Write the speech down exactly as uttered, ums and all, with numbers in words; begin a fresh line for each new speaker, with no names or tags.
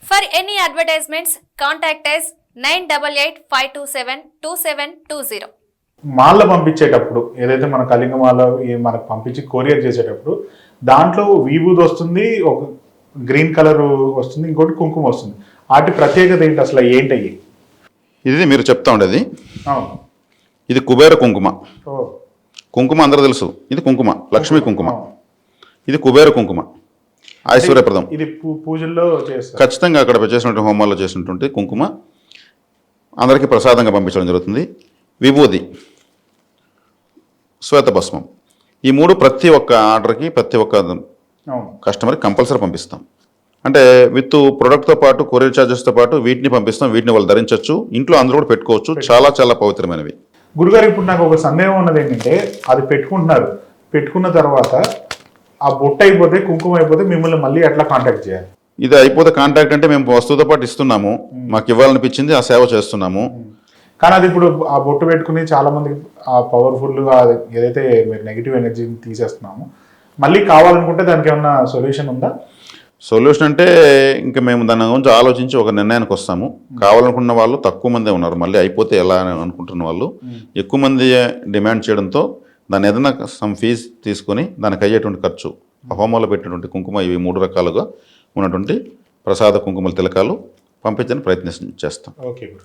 For any advertisements, contact us nine eight eight five two seven two seven two zero.
మాల పంపించేటప్పుడు ఏదైతే మన కళింగ మాల ఈ మనకు పంపించి కొరియర్ చేసేటప్పుడు దాంట్లో విభూది వస్తుంది, ఒక గ్రీన్ కలర్ వస్తుంది, ఇంకోటి కుంకుమ వస్తుంది. వాటి ప్రత్యేకత ఏంటి అసలు, ఏంటయ్యి?
ఇది మీరు చెప్తా ఉండేది.
అవును.
ఇది కుబేర కుంకుమ.
ఓ.
కుంకుమ అందరూ తెలుసు, ఇది కుంకుమ లక్ష్మీ కుంకుమ.
అవును.
ఇది కుబేర కుంకుమ, ఐశ్వర్యప్రదం.
ఇది పూ- పూజల్లో చేస్తారు.
ఖచ్చితంగా అక్కడ చేసినటువంటి హోమాల్లో చేసినటువంటి కుంకుమ అందరికీ ప్రసాదంగా పంపించడం జరుగుతుంది. విభూది, శ్వేతభస్మం, ఈ మూడు ప్రతి ఒక్క ఆర్డర్కి ప్రతి ఒక్క
అవును.
కస్టమర్కి కంపల్సరీ పంపిస్తాం. అంటే విత్ ప్రొడక్ట్తో పాటు కొరియర్ ఛార్జెస్తో పాటు వీటిని పంపిస్తాం. వీటిని వాళ్ళు ధరించవచ్చు, ఇంట్లో అందరూ కూడా పెట్టుకోవచ్చు. చాలా చాలా పవిత్రమైనవి.
గురుగారు, ఇప్పుడు నాకు ఒక సందేహం ఉన్నది ఏంటంటే, అది పెట్టుకుంటున్నారు, పెట్టుకున్న తర్వాత ఆ బొట్టు అయిపోతే, కుంకుమ అయిపోతే మిమ్మల్ని మళ్ళీ ఎట్లా కాంటాక్ట్ చేయాలి?
ఇది అయిపోతే కాంటాక్ట్ అంటే మేము వస్తువుతో పాటు ఇస్తున్నాము, మాకు ఇవ్వాలనిపించింది ఆ సేవ చేస్తున్నాము.
కానీ అది ఇప్పుడు ఆ బొట్టు పెట్టుకుని చాలా మందికి ఆ పవర్ఫుల్గా ఏదైతే మీరు నెగిటివ్ ఎనర్జీని తీసేస్తున్నామో, మళ్ళీ కావాలనుకుంటే దానికి ఏమన్నా సొల్యూషన్ ఉందా?
సొల్యూషన్ అంటే ఇంకా మేము దాని గురించి ఆలోచించి ఒక నిర్ణయానికి వస్తాము. కావాలనుకున్న వాళ్ళు తక్కువ మందే ఉన్నారు, మళ్ళీ అయిపోతే ఎలా అని అనుకుంటున్న వాళ్ళు ఎక్కువ మంది డిమాండ్ చేయడంతో దాని ఏదైనా సమ్ ఫీజు తీసుకొని దానికి అయ్యేటువంటి ఖర్చు, ఆ హోమాలో పెట్టినటువంటి కుంకుమ, ఇవి మూడు రకాలుగా ఉన్నటువంటి ప్రసాద కుంకుమల తిలకాలు పంపించడానికి ప్రయత్నం చేస్తాం.
ఓకే.